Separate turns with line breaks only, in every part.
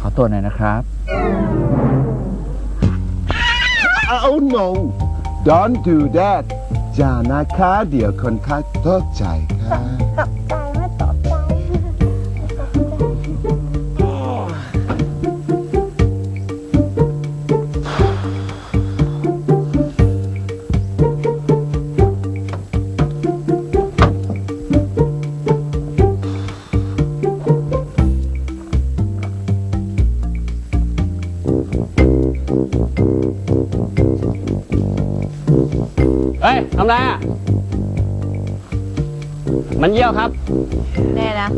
อตัวหน่อยนะครับ
Oh no don't do that อย่านะคะเดี๋ยวคนไข้ตกใจค่ะ
ตกใจไม่ตกใจ
เฮ้ยทำไรอ่ะมันเยี่ยวครับ
แน่นะ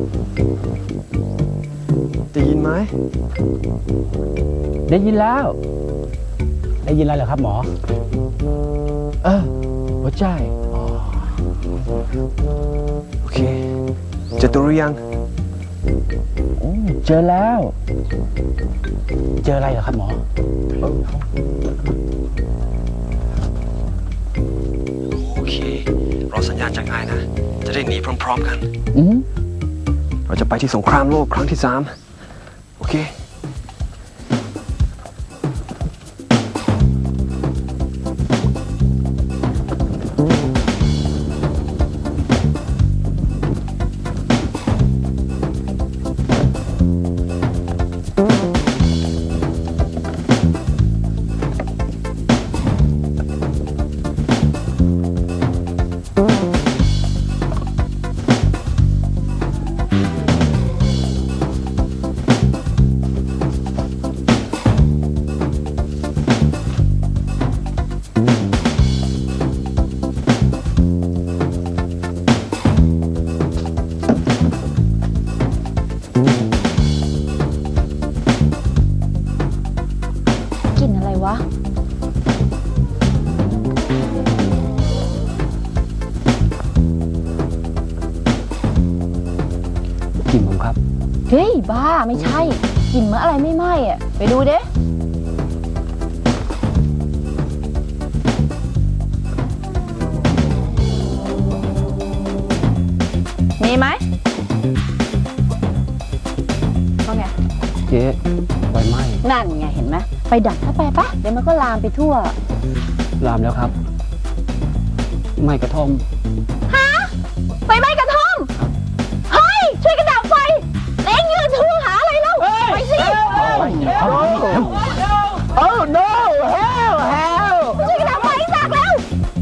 ได้ยินไหม
ได้ยินแล้ว
ได้ยินอะไรเหรอครับหมอ
หัวใจ
โอเคเจอตัวหรือยัง
เจอแล้ว
เจออะไรเหรอครับหมอ
โอเครอสัญญาณจากนายนะ จะได้หนีพร้อมๆกัน เราจะไปที่สงครามโลกครั้งที่ 3โอเค
กลิ่นอะไรวะ
กลิ่นผมครับ
เฮ้ยบ้าไม่ใช่กลิ่นเหมือนอะไรไม่ไหม้อะไปดูเด้มีไหมว่าไง
เจ๊ไฟไหม้
นั่นไงเห็นไหมไปดับเข้าไปปะเดี๋ยวมันก็ลามไปทั่ว
ลามแล้วครับไหม้กระท่อม
ไฟไหม้กระท่อม เฮ้ย ช่วยกันดับไฟเล้งยืนทูหาอะไรเล่าไปสิ
Oh no hell hell
ช่วยกันดับไฟให้สักแล้ว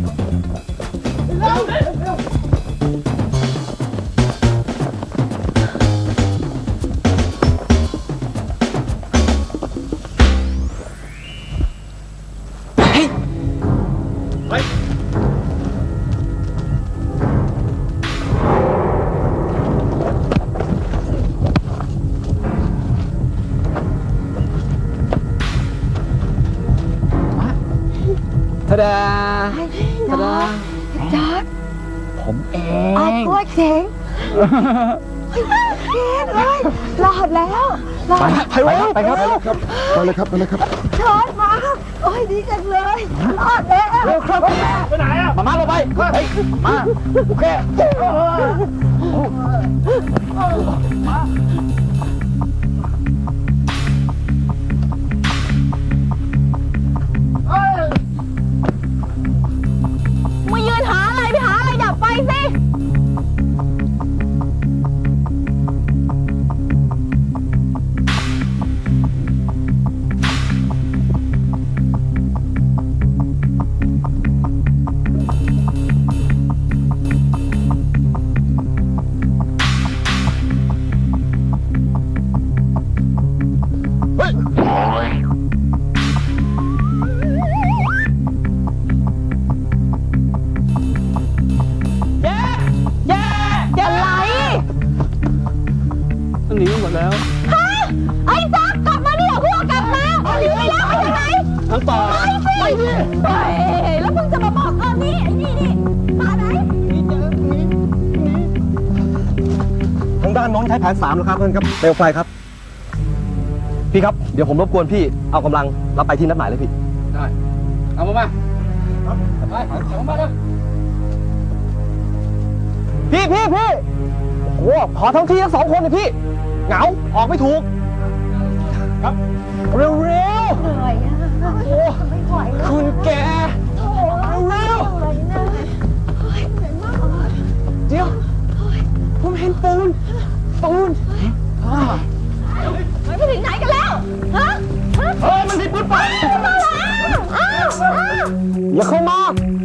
ทะดาทะดา
จอด
ผมเอ
อาง ตัวเจ๋งเฮ้ยเลยรอดแล้วรอด
ไปครับไปครับไปเลยครับไปเลยครับ
จอดมาโอ้ยดีจังเลยรอดแล้ว
เร็วครับไปไหนอ่ะมาลงไปเฮ้ยมาโอเค
มายืนหาอะไรไปหาอะไรดับไฟสิ
มันหนีหมดแล้ว
ฮะไอ้ซักกลับมาเนี่ยพวกกลับมาหนีไปแล้วไปทางไหน
ทั้งต่อ
ไปสิไปแล้วมึงจะมาบอกนี่ไอ้นี่มาไหน
ทางด้านโน้นใช้แผน3แล้วครับเพื่อนครับเปลวไฟครับ พี่ครับ เดี๋ยวผมรบกวนพี่เอากำลังรับไปที่นัดหมายเลยพี่
ได้ เอามาไปเอามาเลย
พี่โอ้โหขอท้องที่ทั้ง2 คนเลยพี่เหงาออกไม่ถูก
ครับ เร็ว
เหนื่อยอ่ะไม่ไหวแล้ว
ๆ คุณแก เร็ว
เลยนะเหนื่อยมาก
ๆ เดี๋ยว ผมเห็นปูน
ไปถึงไหนกันแล้วฮะ
เฮ้ย มันมีปืนไฟ
มาแล้วอ้าว
อย่าเข้ามา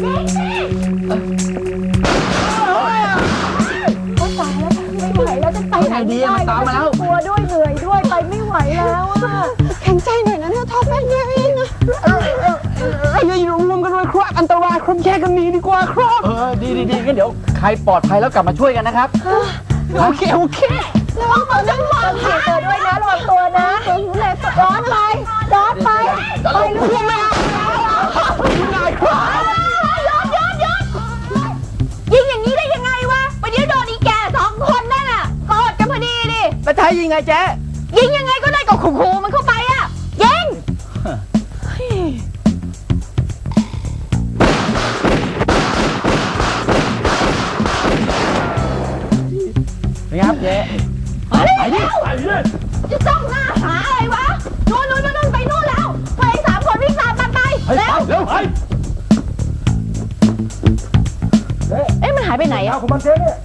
ก็ตายแล้วไม่ไหวแล้วจะไปไหนไม่ได้
ตามมาแล้ว
กลัวด้วยเหนื่อยด้วยไปไม่ไหวแล้วอ่ะแข็งใจหน่อยนะเนี่ยท็อปแม่เนี่ยเองนะ
อย่ารวมกันเลยครับ อันตรายครับแยกกันหนีดีกว่าครับ ดีงั้นเดี๋ยวใครปลอดภัยแล้วกลับมาช่วยกันนะครับ โอเค
ระวังตัวนะระวังตัวด้วยนะระวังตัวนะเลยร้อนไปไปลูกแม่ยิงอย่างนี้ได้ยังไงวะวันนี้โดนอีแก่2 คนนั่นน่ะกอดกันพอดีดิ
แล้วจะให้ยิงไงเจ๊
ยิงยังไงก็ได้ก็ขู่มันเข้าไปอ่ะยิง
เป็นไงครับเจ๊
ไปดิจะจ้องหน้าหาอะไรวะนู่นไปนู่นแล้วพวกไอ้3 คนวิ่งตามมันไปเร็ว
เร็ว
เอ๊ะมันหายไปไหนอ่ะ
ของมันเจ๊เนี่ย